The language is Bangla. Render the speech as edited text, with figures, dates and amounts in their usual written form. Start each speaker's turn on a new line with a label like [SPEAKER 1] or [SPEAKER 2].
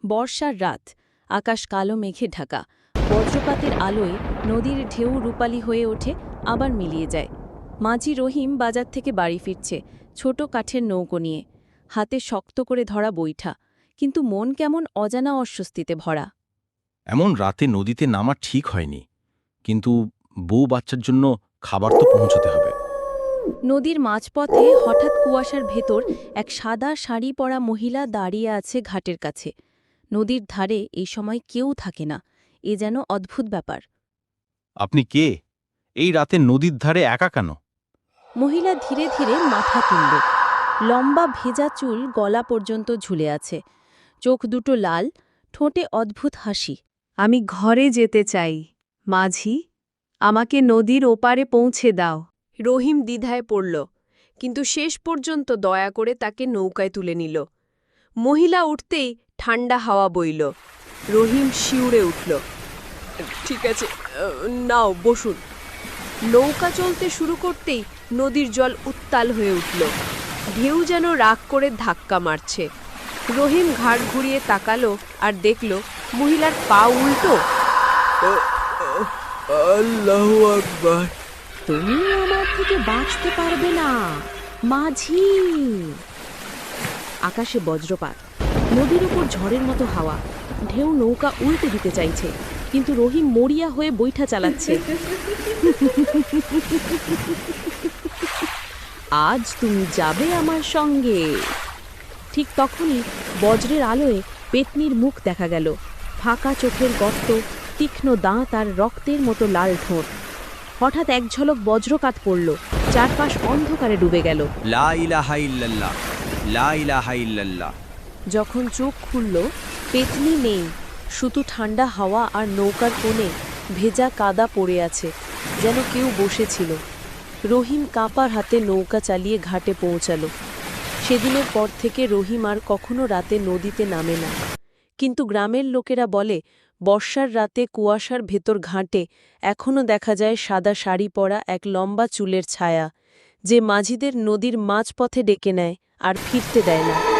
[SPEAKER 1] বর্ষার রাত, আকাশ কালো মেঘে ঢাকা। বজ্রপাতের আলোয় নদীর ঢেউ রূপালী হয়ে ওঠে, আবার মিলিয়ে যায়। মাঝি রহিম বাজার থেকে বাড়ি ফিরছে, ছোট কাঠের নৌকো নিয়ে, হাতে শক্ত করে ধরা বৈঠা, কিন্তু মন কেমন অজানা অস্বস্তিতে ভরা।
[SPEAKER 2] এমন রাতে নদীতে নামা ঠিক হয়নি, কিন্তু বউ বাচ্চার জন্য খাবার তো পৌঁছতে হবে।
[SPEAKER 1] নদীর মাঝপথে হঠাৎ কুয়াশার ভেতর এক সাদা শাড়ি পরা মহিলা দাঁড়িয়ে আছে ঘাটের কাছে। নদীর ধারে এই সময় কেউ থাকে না, এ যেন অদ্ভুত ব্যাপার।
[SPEAKER 2] আপনি কে? এই রাতে নদীর ধারে একা কেন?
[SPEAKER 1] মহিলা ধীরে ধীরে মাথা তুলল। লম্বা ভেজা চুল গলা পর্যন্ত ঝুলে আছে, চোখ দুটো লাল, ঠোঁটে অদ্ভুত হাসি।
[SPEAKER 3] আমি ঘরে যেতে চাই, মাঝি, আমাকে নদীর ওপারে পৌঁছে দাও।
[SPEAKER 4] রহিম দ্বিধায় পড়ল, কিন্তু শেষ পর্যন্ত দয়া করে তাকে নৌকায় তুলে নিল। মহিলা উঠতেই ঠান্ডা হাওয়া বইল। রহিম শিউরে উঠল। ঠিক আছে, নাও বসুন। নৌকা চলতে শুরু করতেই নদীর জল উত্তাল হয়ে উঠল। ঢেউ যেন রাগ করে ধাক্কা মারছে। রহিম ঘাড় ঘুরিয়ে তাকালো আর দেখল মহিলার পা উল্টো।
[SPEAKER 5] আল্লাহু আকবার।
[SPEAKER 3] তুমি আমার থেকে বাঁচতে পারবে না, মাঝি। আকাশে বজ্রপাত, নদীর উপর ঝড়ের মতো হাওয়া, ঢেউ নৌকা উল্টে দিতে চাইছে, কিন্তু রহিম মরিয়া হয়ে বৈঠা চালাচ্ছে। আজ তুমি যাবে আমার সঙ্গে। ঠিক তখনই বজ্রের আলোয় পেতনির মুখ দেখা গেল, ফাঁকা চোখের গর্ত, তীক্ষ্ণ দাঁত আর রক্তের মতো লাল ঠোঁট। হঠাৎ এক ঝলক বজ্রকাত পড়ল, চারপাশ অন্ধকারে ডুবে গেল।
[SPEAKER 5] লা ইলাহা ইল্লাল্লাহ, লা ইলাহা ইল্লাল্লাহ।
[SPEAKER 1] যখন চোখ খুলল, পেতনি নেই, শুধু ঠান্ডা হাওয়া আর নৌকার কোণে ভেজা কাদা পড়ে আছে, যেন কেউ বসেছিল। রহিম কাঁপার হাতে নৌকা চালিয়ে ঘাটে পৌঁছালো। সেদিনের পর থেকে রহিম আর কখনো রাতে নদীতে নামে না, কিন্তু গ্রামের লোকেরা বলে বর্ষার রাতে কুয়াশার ভেতর ঘাটে এখনও দেখা যায় সাদা শাড়ি পরা এক লম্বা চুলের ছায়া, যে মাঝিদের নদীর মাঝপথে ডেকে নেয় আর ফিরতে দেয় না।